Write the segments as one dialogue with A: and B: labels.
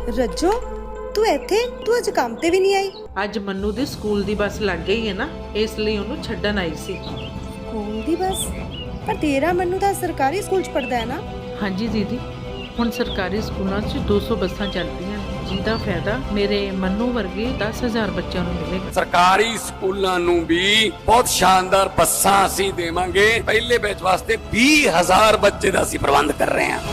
A: ਰੱਜੋ ਤੂੰ ਇੱਥੇ ਤੂੰ ਅੱਜ ਕੰਮ ਤੇ ਵੀ ਨਹੀਂ ਆਈ।
B: ਅੱਜ ਮੰਨੂ ਦੀ ਸਕੂਲ ਦੀ ਬੱਸ ਲੱਗ ਗਈ ਹੈ ਨਾ, ਇਸ ਲਈ ਉਹਨੂੰ ਛੱਡਣ ਆਈ ਸੀ।
A: ਸਕੂਲ ਦੀ ਬੱਸ? ਪਰ ਤੇਰਾ ਮੰਨੂ ਤਾਂ ਸਰਕਾਰੀ ਸਕੂਲ 'ਚ ਪੜਦਾ ਹੈ ਨਾ।
B: ਹਾਂਜੀ ਦੀਦੀ, ਹੁਣ ਸਰਕਾਰੀ ਸਕੂਲਾਂ 'ਚ 200 ਬੱਸਾਂ ਚੱਲਦੀਆਂ, ਜਿਹਦਾ ਫਾਇਦਾ ਮੇਰੇ ਮੰਨੂ ਵਰਗੇ 10,000 ਬੱਚਿਆਂ ਨੂੰ ਮਿਲੇਗਾ।
C: ਸਰਕਾਰੀ ਸਕੂਲਾਂ ਨੂੰ ਵੀ ਬਹੁਤ ਸ਼ਾਨਦਾਰ ਬੱਸਾਂ ਅਸੀਂ ਦੇਵਾਂਗੇ। ਪਹਿਲੇ ਬੈਚ ਵਾਸਤੇ 20,000 ਬੱਚੇ ਦਾ ਅਸੀਂ ਪ੍ਰਬੰਧ ਕਰ ਰਹੇ ਹਾਂ।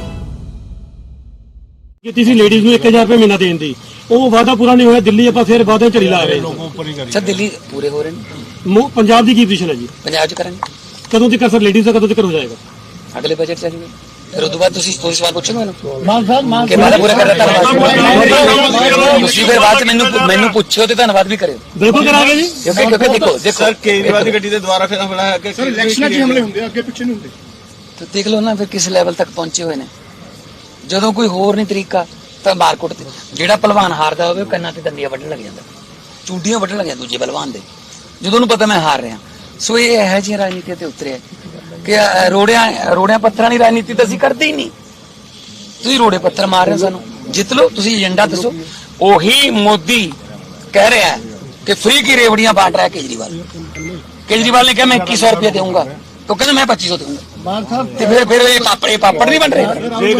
D: ਕੀਤੀ ਸੀ ਲੇਡੀਜ਼ ਨੂੰ 1000 ਰੁਪਏ ਮਹੀਨਾ ਦੇਣ ਦੀ, ਉਹ ਵਾਅਦਾ ਪੂਰਾ ਨਹੀਂ ਹੋਇਆ। ਦਿੱਲੀ ਆਪਾਂ ਫਿਰ ਵਾਅਦੇ ਝੜੀ ਲਾ ਰਹੇ ਹਾਂ।
E: ਸਰ ਦਿੱਲੀ ਪੂਰੇ ਹੋ ਰਹੇ ਨੇ।
D: ਪੰਜਾਬ ਦੀ ਕੀ ਪੋਜੀਸ਼ਨ ਹੈ ਜੀ?
E: ਪੰਜਾਬ ਚ ਕਰਾਂਗੇ।
D: ਕਦੋਂ ਤੱਕ ਸਰ ਲੇਡੀਜ਼ ਦਾ ਕਦੋਂ ਤੱਕ ਹੋ ਜਾਏਗਾ?
E: ਅਗਲੇ ਬਜਟ ਚ ਜੀ। ਫਿਰ ਉਸ ਤੋਂ ਬਾਅਦ ਤੁਸੀਂ ਸਵਾਲ ਪੁੱਛੋਗੇ ਮੈਨੂੰ
D: ਮਾਨ
E: ਕਿ ਵਾਅਦਾ ਪੂਰਾ ਕਰ ਦਿੱਤਾ। ਤੁਸੀਂ ਫਿਰ ਬਾਅਦ ਚ ਮੈਨੂੰ ਪੁੱਛਿਓ ਤੇ ਧੰਨਵਾਦ ਵੀ ਕਰਿਓ।
D: ਬਿਲਕੁਲ ਕਰਾਂਗੇ ਜੀ।
E: ਕਿਉਂਕਿ ਦੇਖੋ
F: ਸਰ ਕੇਜਰੀਵਾਲ ਦੀ ਗੱਡੀ ਦੇ ਦੁਆਰਾ ਫਿਰ ਹਮਲਾ ਹੈ ਕਿ ਸਰ ਇਲੈਕਸ਼ਨਾਂ 'ਚ ਹਮਲੇ ਹੁੰਦੇ ਅੱਗੇ ਪਿੱਛੇ ਨਹੀਂ ਹੁੰਦੇ।
E: ਤੇ ਦੇਖ ਲਓ ਨਾ ਫਿਰ ਕਿਸ ਲੈਵਲ ਤੱਕ ਪਹੁੰਚੇ ਹੋਏ ਨੇ। ਜਦੋਂ ਕੋਈ ਹੋਰ ਨਹੀਂ ਤਰੀਕਾ ਤਾਂ ਮਾਰਕੁੱਟ ਤੇ ਜਿਹੜਾ ਪਹਿਲਵਾਨ ਹਾਰਦਾ ਹੋਵੇ ਉਹ ਕੰਨਾਂ ਤੇ ਦੰਦੀਆਂ ਵੱਢਣ ਲੱਗ ਜਾਂਦਾ, ਚੂੜੀਆਂ ਵੱਢਣ ਲੱਗ ਜਾਂਦਾ ਦੂਜੇ ਪਹਿਲਵਾਨ ਦੇ, ਜਦੋਂ ਉਹਨੂੰ ਪਤਾ ਮੈਂ ਹਾਰ ਰਿਹਾ। ਸੋ ਇਹ ਇਹੋ ਜਿਹੀ ਰਾਜਨੀਤੀ ਤੇ ਉਤਰਿਆ ਕਿ ਰੋੜਿਆਂ ਪੱਥਰਾਂ ਦੀ ਰਾਜਨੀਤੀ ਤਾਂ ਅਸੀਂ ਕਰਦੇ ਹੀ ਨਹੀਂ। ਤੁਸੀਂ ਰੋੜੇ ਪੱਥਰ ਮਾਰ ਰਹੇ ਹੋ ਸਾਨੂੰ, ਜਿੱਤ ਲਓ। ਤੁਸੀਂ ਏਜੰਡਾ ਦੱਸੋ। ਉਹੀ ਮੋਦੀ ਕਹਿ ਰਿਹਾ ਹੈ ਕਿ ਫ੍ਰੀ ਕੀ ਰੇਵੜੀਆਂ ਬਾंट रहा है केजरीवाल ने कहा मैं 2100 रुपया दूंगा, तो कहना मैं 2500 दूंगा। फिर ये पापड़ नहीं बन रहे।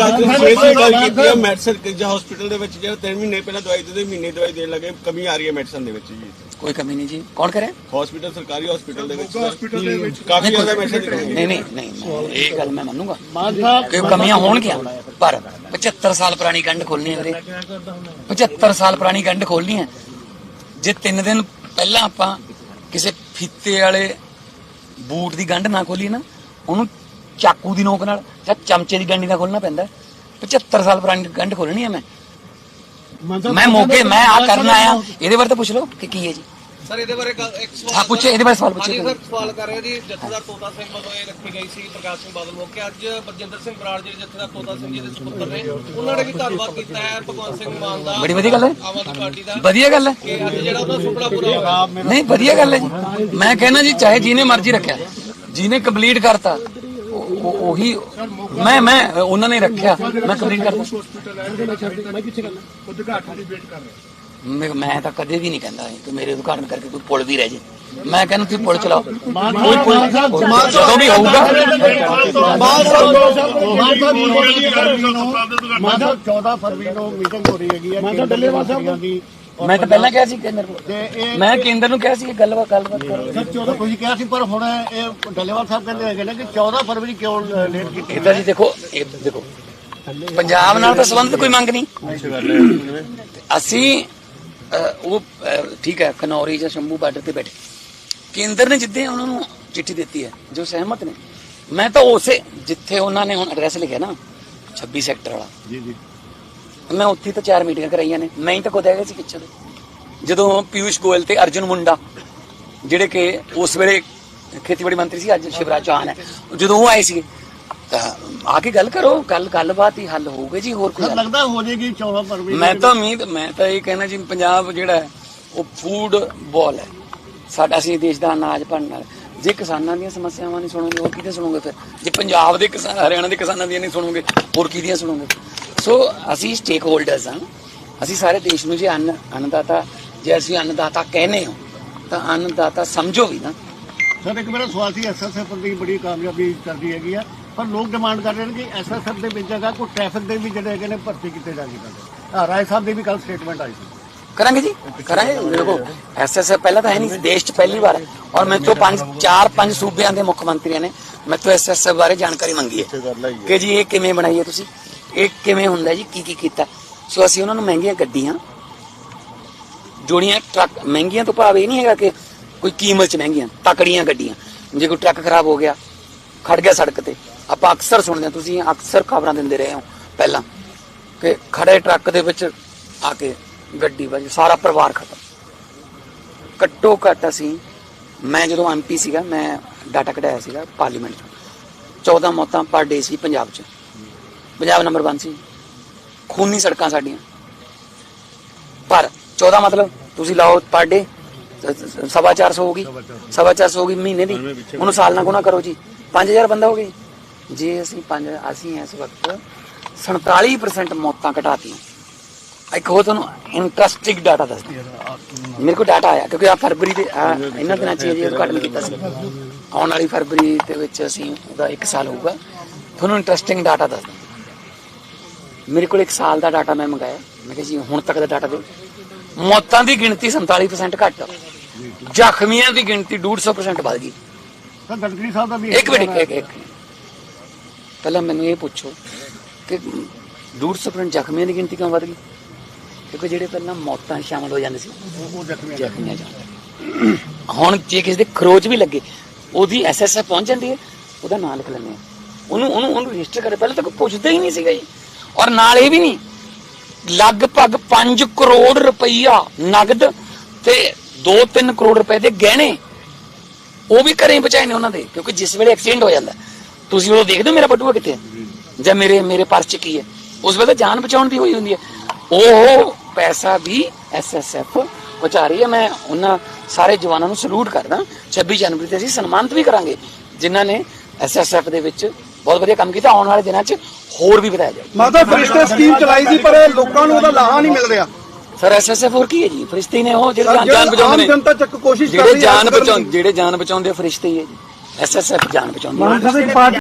F: ਮੈਡੀਸਨ ਹਸਪੀਟਲ ਦੇ ਵਿੱਚ ਜਿਹੜਾ 3 ਮਹੀਨੇ ਪਹਿਲਾਂ ਦਵਾਈ ਦਿੰਦੇ, ਮਹੀਨੇ ਦਵਾਈ ਦੇਣ ਲੱਗੇ, ਕਮੀ ਆ ਰਹੀ ਹੈ ਮੈਡੀਸਨ ਦੇ ਵਿੱਚ ਜੀ।
E: ਕੋਈ ਕਮੀ ਨਹੀਂ ਜੀ। ਕੌਣ ਕਰੇ?
F: ਹਸਪੀਟਲ, ਸਰਕਾਰੀ ਹਸਪੀਟਲ ਦੇ ਵਿੱਚ ਕਾਫੀ ਜ਼ਿਆਦਾ ਮੈਡੀਸਨ ਦੀ ਕਮੀ ਹੈ।
E: ਨਹੀਂ ਇਹ ਗੱਲ ਮੈਂ ਮੰਨੂਗਾ ਕਿ ਕਮੀਆਂ ਹੋਣਗੀਆਂ, ਪਰ 75 ਸਾਲ ਪੁਰਾਣੀ ਗੰਢ ਖੋਲਣੀ ਹੈ ਵੀਰੇ। 75 ਸਾਲ ਪੁਰਾਣੀ ਗੰਢ ਖੋਲਣੀ ਹੈ। ਜੇ 3 ਦਿਨ ਪਹਿਲਾਂ ਆਪਾਂ ਕਿਸੇ ਫੀਤੇ ਵਾਲੇ ਬੂਟ ਦੀ ਗੰਢ ਨਾ ਖੋਲੀ ਨਾ, ਉਹਨੂੰ ਚਾਕੂ ਦੀ ਨੋਕ ਨਾਲ ਜਾਂ ਚਮਚੇ ਦੀ ਗੰਢੀ ਨਾਲ ਖੋਲਣਾ ਪੈਂਦਾ। 75 ਸਾਲ ਪੁਰਾਣੀ ਗੰਢ ਖੋਲਣੀ ਹੈ ਮੈਂ ਮੌਕੇ ਮੈਂ ਆ ਕਰਨ ਆਇਆ। ਇਹਦੇ ਬਾਰੇ ਤਾਂ ਪੁੱਛ ਲਓ ਕਿ ਕੀ ਹੈ ਜੀ।
F: ਸਰ ਇਹਦੇ ਬਾਰੇ ਇੱਕ
E: ਸਵਾਲ ਪੁੱਛੇ, ਇਹਦੇ ਬਾਰੇ ਸਵਾਲ ਪੁੱਛੇ।
F: ਸਰ ਸਵਾਲ ਕਰ ਰਹੇ ਜੀ, ਜਥੇਦਾਰ ਤੋਤਾ ਸਿੰਘ ਵੱਲੋਂ ਇਹ ਰੱਖੀ ਗਈ ਸੀ ਪ੍ਰਕਾਸ਼ ਸਿੰਘ ਬਾਦਲ ਮੌਕੇ। ਅੱਜ ਬਰਜਿੰਦਰ ਸਿੰਘ ਬਰਾੜ ਜਿਹੜੇ ਜਥੇਦਾਰ ਤੋਤਾ ਸਿੰਘ ਜੀ ਦੇ ਸੁਪੁੱਤਰ ਨੇ, ਉਹਨਾਂ ਨੇ ਵੀ ਧੰਨਵਾਦ ਕੀਤਾ ਹੈ ਭਗਵੰਤ ਸਿੰਘ ਮਾਨ ਦਾ।
E: ਬੜੀ ਵਧੀਆ ਗੱਲ ਹੈ,
F: ਆਮ ਆਦਮੀ ਪਾਰਟੀ ਦਾ
E: ਵਧੀਆ ਗੱਲ ਹੈ।
F: ਕਿ ਅੱਜ ਜਿਹੜਾ ਉਹਦਾ ਸੁਪਨਾ ਪੂਰਾ ਹੋਇਆ।
E: ਨਹੀਂ ਵਧੀਆ ਗੱਲ ਹੈ ਜੀ। ਮੈਂ ਕਹਿੰਦਾ ਜੀ ਚਾਹੇ ਜਿਹਨੇ ਮਰਜ਼ੀ ਰੱਖਿਆ, ਜਿਹਨੇ ਕੰਪਲੀਟ ਕਰਤਾ ਉਹੀ ਮੈਂ ਉਹਨਾਂ ਨੇ ਰੱਖਿਆ, ਮੈਂ ਕੰਪਲੀਟ ਕਰਤਾ। ਮੈਂ ਤਾਂ ਕਦੇ ਵੀ ਨਹੀਂ ਕਹਿੰਦਾ ਕਿ ਮੇਰੇ ਉਦਘਾਟਨ ਕਰਕੇ ਕੋਈ ਪੁਲ ਵੀ ਰਹਿ ਜੇ। ਮੈਂ ਕਹਿੰਦਾ ਤੁਸੀਂ ਪੁਲ ਚਲਾਓ, ਕੋਈ ਪੁਲ ਜਦੋਂ ਵੀ ਹੋਊਗਾ।
D: 14 ਫਰਵਰੀ ਨੂੰ ਮੀਟਿੰਗ ਹੋ ਰਹੀ ਹੈਗੀ ਹੈ ਦੀ।
E: ਮੈਂ ਤਾਂ ਪਹਿਲਾਂ ਕਿਹਾ ਸੀ ਕਿ ਮੇਰੇ ਕੋਲ, ਮੈਂ ਕੇਂਦਰ ਨੂੰ ਕਿਹਾ ਸੀ ਗੱਲਬਾਤ ਕਰੋ।
D: ਸਰ 14 ਤੁਸੀਂ ਕਿਹਾ ਸੀ, ਪਰ ਹੁਣ ਇਹ ਡੱਲੇਵਾਲ ਸਾਹਿਬ ਕਹਿੰਦੇ ਹੈਗੇ ਨੇ ਕਿ 14 ਫਰਵਰੀ ਕਿਉਂ ਲੇਟ ਕੀਤੀ?
E: ਇਦਾਂ ਜੀ ਦੇਖੋ ਪੰਜਾਬ ਨਾਲ ਤਾਂ ਸੰਬੰਧ ਕੋਈ ਮੰਗ ਨਹੀਂ। ਅਸੀਂ ਉਹ ਠੀਕ ਹੈ ਖਨੌਰੀ ਜਾਂ ਸ਼ੰਭੂ ਬਾਰਡਰ ਤੇ ਬੈਠੇ, ਕੇਂਦਰ ਨੇ ਜਿੱਦੇ ਉਹਨਾਂ ਨੂੰ ਚਿੱਠੀ ਦਿੱਤੀ ਹੈ ਜੋ ਸਹਿਮਤ ਨੇ। ਮੈਂ ਤਾਂ ਉਸੇ ਜਿੱਥੇ ਉਹਨਾਂ ਨੇ ਹੁਣ ਐਡਰੈਸ ਲਿਖਿਆ ਨਾ 26 ਸੈਕਟਰ ਵਾਲਾ, ਜੀ ਮੈਂ ਉੱਥੇ ਤਾਂ 4 ਮੀਟਿੰਗਾਂ ਕਰਾਈਆਂ ਨੇ। ਮੈਂ ਹੀ ਤਾਂ ਖੁਦ ਹੈਗਾ ਸੀ ਪਿੱਛੇ ਜਦੋਂ ਪੀਯੂਸ਼ ਗੋਇਲ ਤੇ ਅਰਜੁਨ ਮੁੰਡਾ ਜਿਹੜੇ ਕਿ ਉਸ ਵੇਲੇ ਖੇਤੀਬਾੜੀ ਮੰਤਰੀ ਸੀ, ਅੱਜ ਸ਼ਿਵਰਾਜ ਚੌਹਾਨ ਹੈ, ਜਦੋਂ ਉਹ ਆਏ ਸੀਗੇ ਤਾਂ ਆ ਕੇ ਗੱਲ ਕਰੋ, ਗੱਲਬਾਤ ਹੀ ਹੱਲ ਹੋਊਗੀ ਜੀ। ਹੋਰ ਕੋਈ
D: ਲੱਗਦਾ ਹੋ ਜਾਏਗੀ 14 ਫਰਵਰੀ?
E: ਮੈਂ ਤਾਂ ਇਹ ਕਹਿਣਾ ਜੀ, ਪੰਜਾਬ ਜਿਹੜਾ ਹੈ ਉਹ ਫੂਡ ਬਾਲ ਹੈ ਸਾਡਾ। ਅਸੀਂ ਦੇਸ਼ ਦਾ ਅਨਾਜ ਬਣਨ ਵਾਲਾ। ਜੇ ਕਿਸਾਨਾਂ ਦੀਆਂ ਸਮੱਸਿਆਵਾਂ ਨਹੀਂ ਸੁਣੋਗੇ ਹੋਰ ਕਿਹਦੇ ਸੁਣੋਗੇ? ਫਿਰ ਜੇ ਪੰਜਾਬ ਦੇ ਕਿਸਾਨ, ਹਰਿਆਣਾ ਦੇ ਕਿਸਾਨਾਂ ਦੀਆਂ ਨਹੀਂ ਸੁਣੋਗੇ ਹੋਰ ਕਿਹਦੀਆਂ ਸੁਣੋਗੇ? ਸੋ ਅਸੀਂ ਸਟੇਕ ਹੋਲਡਰਸ ਹਾਂ। ਅਸੀਂ ਸਾਰੇ ਦੇਸ਼ ਨੂੰ ਜੇ ਅੰਨਦਾਤਾ, ਜੇ ਅਸੀਂ ਅੰਨਦਾਤਾ ਕਹਿੰਦੇ ਹਾਂ ਤਾਂ ਅੰਨਦਾਤਾ ਸਮਝੋ ਵੀ ਨਾ।
D: ਸਰ ਇੱਕ ਮੇਰਾ ਸਵਾਲ ਸੀ, ਐਸਐਸਐਫ ਦੀ ਬੜੀ ਕਾਮਯਾਬੀ ਕਰਦੀ ਹੈਗੀ ਆ, ਪਰ ਲੋਕ ਡਿਮਾਂਡ ਕਰ ਰਹੇ ਨੇ ਕਿ ਐਸਐਸਐਫ ਦੇ ਵਿੱਚ ਜਗ੍ਹਾ ਕੋਈ ਟ੍ਰੈਫਿਕ ਦੇ ਵੀ ਜਿਹੜੇ ਹੈਗੇ ਨੇ ਭਰਤੀ ਕੀਤੇ ਜਾਣਗੇ। ਰਾਏ ਸਾਹਿਬ ਦੀ ਵੀ ਕੱਲ ਸਟੇਟਮੈਂਟ ਆਈ ਸੀ।
E: ਕਰਾਂਗੇ ਜੀ, ਕਰਾਂਗੇ। ਦੇਖੋ ਐਸਐਸਐਫ ਪਹਿਲਾਂ ਤਾਂ ਹੈ ਨਹੀਂ ਦੇਸ਼ 'ਚ, ਪਹਿਲੀ ਵਾਰ। ਔਰ ਮੇਰੇ ਤੋਂ 4-5 ਸੂਬਿਆਂ ਦੇ ਮੁੱਖ ਮੰਤਰੀਆਂ ਨੇ ਮੇਰੇ ਤੋਂ ਐਸਐਸਐਫ ਬਾਰੇ ਜਾਣਕਾਰੀ ਮੰਗੀ ਹੈ ਕਿ ਜੀ ਇਹ ਕਿਵੇਂ ਬਣਾਈ ਹੈ, ਤੁਸੀਂ ਇਹ ਕਿਵੇਂ ਹੁੰਦਾ ਜੀ, ਕੀ ਕੀਤਾ। ਸੋ ਅਸੀਂ ਉਹਨਾਂ ਨੂੰ ਮਹਿੰਗੀਆਂ ਗੱਡੀਆਂ, ਜੋੜੀਆਂ ਟਰੱਕ, ਮਹਿੰਗੀਆਂ ਤੋਂ ਭਾਵ ਇਹ ਨਹੀਂ ਹੈਗਾ ਕਿ ਕੋਈ ਕੀਮਤ 'ਚ ਮਹਿੰਗੀਆਂ, ਤਕੜੀਆਂ ਗੱਡੀਆਂ। ਜੇ ਕੋਈ ਟਰੱਕ ਖਰਾਬ ਹੋ ਗਿਆ, ਖੜ ਗਿਆ ਸੜਕ ਤੇ, ਆਪਾਂ ਅਕਸਰ ਸੁਣਦੇ ਹਾਂ, ਤੁਸੀਂ ਅਕਸਰ ਖਬਰਾਂ ਦਿੰਦੇ ਰਹੇ ਹੋ ਪਹਿਲਾਂ ਕਿ ਖੜੇ ਟਰੱਕ ਦੇ ਵਿੱਚ ਆ ਕੇ ਗੱਡੀ ਵੱਜ, ਸਾਰਾ ਪਰਿਵਾਰ ਖਤਮ। ਘੱਟੋ ਘੱਟ ਅਸੀਂ, ਮੈਂ ਜਦੋਂ ਐਮਪੀ ਸੀਗਾ, ਮੈਂ ਡਾਟਾ ਕਢਾਇਆ ਸੀਗਾ ਪਾਰਲੀਮੈਂਟ 'ਚ, 14 ਮੌਤਾਂ ਪਰ ਡੇ ਸੀ ਪੰਜਾਬ 'ਚ। ਪੰਜਾਬ ਨੰਬਰ 1 ਸੀ, ਖੂਨੀ ਸੜਕਾਂ ਸਾਡੀਆਂ। ਪਰ 14 ਮਤਲਬ ਤੁਸੀਂ ਲਾਓ ਪਰ ਡੇ 450 ਹੋ ਗਈ, 450 ਹੋ ਗਈ ਮਹੀਨੇ ਦੀ। ਉਹਨੂੰ ਸਾਲ ਨਾਲ ਗੁਣਾ ਕਰੋ ਜੀ, 5000 ਬੰਦਾ ਹੋ ਗਈ। ਜੇ ਅਸੀਂ ਇਸ ਵਕਤ 47% ਮੌਤਾਂ ਘਟਾਤੀਆਂ ਇੱਕ ਹੋਰ ਤੁਹਾਨੂੰ ਇੰਟਰਸਟਿੰਗ ਡਾਟਾ ਦੱਸਦਾ। ਮੇਰੇ ਕੋਲ ਡਾਟਾ ਆਇਆ ਕਿਉਂਕਿ ਆ ਫਰਵਰੀ ਦੇ ਇਹਨਾਂ ਦਿਨਾਂ 'ਚ ਜੀ ਉਦਘਾਟਨ ਕੀਤਾ ਸੀ। ਆਉਣ ਵਾਲੀ ਫਰਵਰੀ ਦੇ ਵਿੱਚ ਅਸੀਂ ਉਹਦਾ 1 ਸਾਲ ਹੋਊਗਾ। ਤੁਹਾਨੂੰ ਇੰਟਰਸਟਿੰਗ ਡਾਟਾ ਦੱਸਦਾ। ਮੇਰੇ ਕੋਲ 1 ਸਾਲ ਦਾ ਡਾਟਾ ਮੈਂ ਮੰਗਾਇਆ। ਮੈਂ ਕਿਹਾ ਜੀ ਹੁਣ ਤੱਕ ਦਾ ਡਾਟਾ ਦਿਓ। ਮੌਤਾਂ ਦੀ ਗਿਣਤੀ 47% ਘੱਟ, ਜ਼ਖਮੀਆਂ ਦੀ ਗਿਣਤੀ 150% ਵੱਧ ਗਈ।
D: ਸਰ ਗਡਕਰੀ ਸਾਹਿਬ ਦਾ ਵੀ
E: ਇੱਕ ਮਿੰਟ ਇੱਕ ਪਹਿਲਾਂ ਮੈਨੂੰ ਇਹ ਪੁੱਛੋ ਕਿ 150% ਜ਼ਖਮੀਆਂ ਦੀ ਗਿਣਤੀ ਕਿਉਂ ਵੱਧ ਗਈ? ਕਿਉਂਕਿ ਜਿਹੜੇ ਪਹਿਲਾਂ ਮੌਤਾਂ ਸ਼ਾਮਲ ਹੋ ਜਾਂਦੇ ਸੀ
D: ਉਹ ਜ਼ਖਮੀਆਂ
E: ਜ਼ਖਮੀਆਂ ਜਾਂਦੇ। ਹੁਣ ਜੇ ਕਿਸੇ ਦੇ ਖਰੋਚ ਵੀ ਲੱਗੇ ਉਹਦੀ ਐਸਐਸਐਫ ਪਹੁੰਚ ਜਾਂਦੀ ਹੈ, ਉਹਦਾ ਨਾਂ ਲਿਖ ਲੈਂਦੇ ਆ, ਉਹਨੂੰ ਰਜਿਸਟਰ ਕਰੇ। ਪਹਿਲਾਂ ਤਾਂ ਕੋਈ ਪੁੱਛਦਾ ਹੀ ਨਹੀਂ ਸੀਗਾ ਜੀ। ਔਰ ਨਾਲ ਇਹ ਵੀ ਨਹੀਂ, ਲਗਭਗ 5 ਕਰੋੜ ਰੁਪਈਆ ਨਗਦ ਤੇ 2-3 ਕਰੋੜ ਰੁਪਏ ਦੇ ਗਹਿਣੇ ਉਹ ਵੀ ਘਰੇ ਬਚਾਏ ਨੇ ਉਹਨਾਂ ਦੇ। ਕਿਉਂਕਿ ਜਿਸ ਵੇਲੇ ਐਕਸੀਡੈਂਟ ਹੋ ਜਾਂਦਾ ਤੁਸੀਂ ਉਹ ਦੇਖਦੇ ਹੋ ਮੇਰਾ ਬਟੂਆ ਕਿੱਥੇ ਹੈ ਜਾਂ ਮੇਰੇ ਪਰਸ 'ਚ ਕੀ ਹੈ, ਉਸ ਵੇਲੇ ਜਾਨ ਬਚਾਉਣ ਦੀ ਹੋਈ ਹੁੰਦੀ ਹੈ। ਉਹ ਪੈਸਾ ਵੀ ਐਸਐਸਐਫ ਬਚਾ ਰਹੀ ਹੈ। ਮੈਂ ਉਹਨਾਂ ਸਾਰੇ ਜਵਾਨਾਂ ਨੂੰ ਸਲੂਟ ਕਰਦਾ। 26 ਜਨਵਰੀ ਤੇ ਅਸੀਂ ਸਨਮਾਨਿਤ ਵੀ ਕਰਾਂਗੇ ਜਿਨ੍ਹਾਂ ਨੇ ਐਸਐਸਐਫ ਦੇ ਵਿੱਚ ਬਹੁਤ ਵਧੀਆ ਕੰਮ ਕੀਤਾ। ਆਉਣ ਵਾਲੇ ਦਿਨਾਂ 'ਚ ਹੋਰ ਵੀ ਵਧਾਇਆ ਜਾਏ।
G: ਮਾਤਾ ਫਰਿਸ਼ਤੇ ਸਕੀਮ ਚਲਾਈ ਸੀ ਪਰ ਲੋਕਾਂ ਨੂੰ ਉਹਦਾ ਲਾਹਾ ਨਹੀਂ ਮਿਲ ਰਿਹਾ।
E: ਸਰ ਐਸਐਸਐਫ ਹੋਰ ਕੀ ਹੈ ਜੀ? ਫਰਿਸ਼ਤੇ ਨੇ ਉਹ ਜਿਹੜੇ ਜਾਨ ਬਚਾਉਂਦੇ
G: ਆਮ
E: ਨੇ,
G: ਜਨਤਾ ਚੱਕ ਕੋਸ਼ਿਸ਼ ਕਰ
E: ਜਿਹੜੇ
G: ਰਹੀ ਹੈ
E: ਜਾਨ ਬਚਾਉਂਦੇ ਫਰਿਸ਼ਤੇ ਹੀ ਹੈ ਜੀ। ਐਸਐਸਐਫ ਜਾਨ ਬਚਾਉਂਦੀ ਹੈ।